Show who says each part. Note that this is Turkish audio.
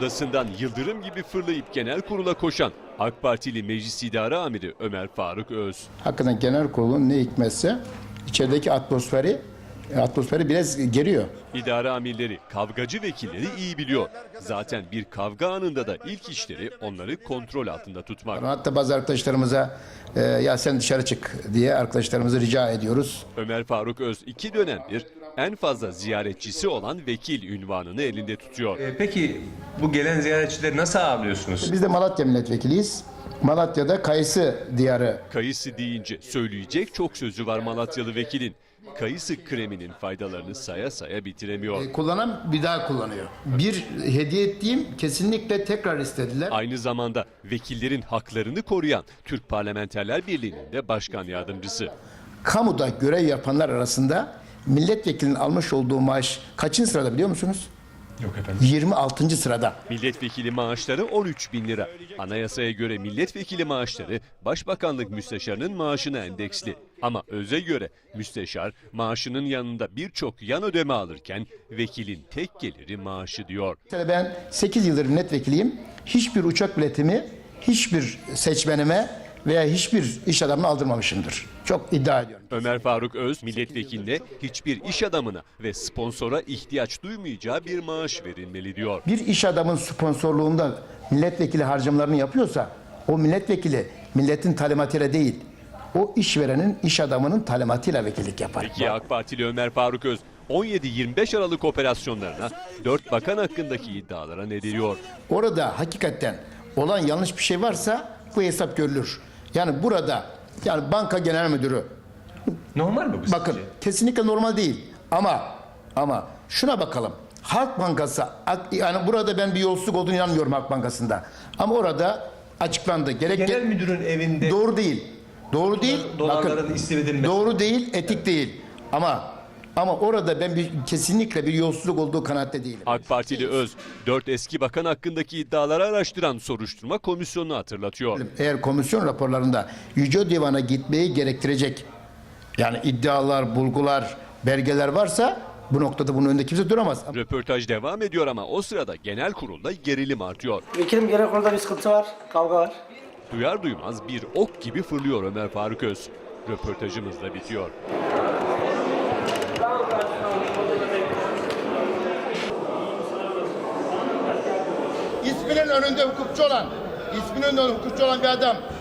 Speaker 1: odasından yıldırım gibi fırlayıp genel kurula koşan AK Partili Meclis İdare Amiri Ömer Faruk Öz.
Speaker 2: Hakikaten genel kurulun ne hikmetse içerideki atmosferi biraz geriyor.
Speaker 1: İdare amirleri, kavgacı vekilleri iyi biliyor. Zaten bir kavga anında da ilk işleri onları kontrol altında tutmak.
Speaker 2: Hatta bazı arkadaşlarımıza ya sen dışarı çık diye arkadaşlarımıza rica ediyoruz.
Speaker 1: Ömer Faruk Öz 2 dönemdir en fazla ziyaretçisi olan vekil unvanını elinde tutuyor.
Speaker 3: Peki bu gelen ziyaretçileri nasıl ağırlıyorsunuz?
Speaker 2: Biz de Malatya milletvekiliyiz. Malatya'da kayısı diyarı.
Speaker 1: Kayısı deyince söyleyecek çok sözü var Malatyalı vekilin. Kayısı kreminin faydalarını saya saya bitiremiyor.
Speaker 2: Kullanan bir daha kullanıyor. Bir hediye ettiğim kesinlikle tekrar istediler.
Speaker 1: Aynı zamanda vekillerin haklarını koruyan Türk Parlamenterler Birliği'nin de başkan yardımcısı.
Speaker 2: Kamuda görev yapanlar arasında milletvekilinin almış olduğu maaş kaçıncı sırada biliyor musunuz?
Speaker 3: Yok efendim.
Speaker 2: 26. sırada.
Speaker 1: Milletvekili maaşları 13.000 lira. Anayasaya göre milletvekili maaşları Başbakanlık müsteşarının maaşına endeksli. Ama öze göre müsteşar maaşının yanında birçok yan ödeme alırken vekilin tek geliri maaşı diyor.
Speaker 2: Mesela ben 8 yıldır milletvekiliyim. Hiçbir uçak biletimi hiçbir seçmenime veya hiçbir iş adamına aldırmamışımdır. Çok iddia ediyorum.
Speaker 1: Ömer Faruk Öz milletvekiline hiçbir iş adamına ve sponsora ihtiyaç duymayacağı bir maaş verilmeli diyor.
Speaker 2: Bir iş adamın sponsorluğunda milletvekili harcamalarını yapıyorsa o milletvekili milletin talimatıyla değil, o işverenin, iş adamının talimatıyla vekillik yapar.
Speaker 1: Peki AK Partili Ömer Faruk Öz 17-25 Aralık operasyonlarına 4 bakan hakkındaki iddialara ne diyor?
Speaker 2: Orada hakikaten olan yanlış bir şey varsa bu hesap görülür. Yani burada banka genel müdürü
Speaker 3: Normal mi bu
Speaker 2: bakın
Speaker 3: sizce?
Speaker 2: kesinlikle normal değil ama şuna bakalım. Halk Bankası yani burada ben bir yolsuzluk olduğunu inanmıyorum Halk Bankası'nda. Ama orada açıklandı.
Speaker 3: Genel müdürün evinde
Speaker 2: Doğru değil. Doğru değil.
Speaker 3: dolarların istif edilmesi.
Speaker 2: Doğru değil, etik değil. Ama orada ben kesinlikle bir yolsuzluk olduğu kanaatte değilim.
Speaker 1: AK Partili Öz 4 eski bakan hakkındaki iddiaları araştıran soruşturma komisyonunu hatırlatıyor.
Speaker 2: Eğer komisyon raporlarında Yüce Divan'a gitmeyi gerektirecek yani iddialar, bulgular, belgeler varsa bu noktada bunun önünde kimse duramaz.
Speaker 1: Röportaj devam ediyor ama o sırada genel kurulda gerilim artıyor.
Speaker 4: Vekilim genel kurulda bir sıkıntı var, kavga var.
Speaker 1: Duyar duymaz bir ok gibi fırlıyor Ömer Faruk Öz. Röportajımız da bitiyor.
Speaker 2: İsminin önünde hukukçu olan bir adam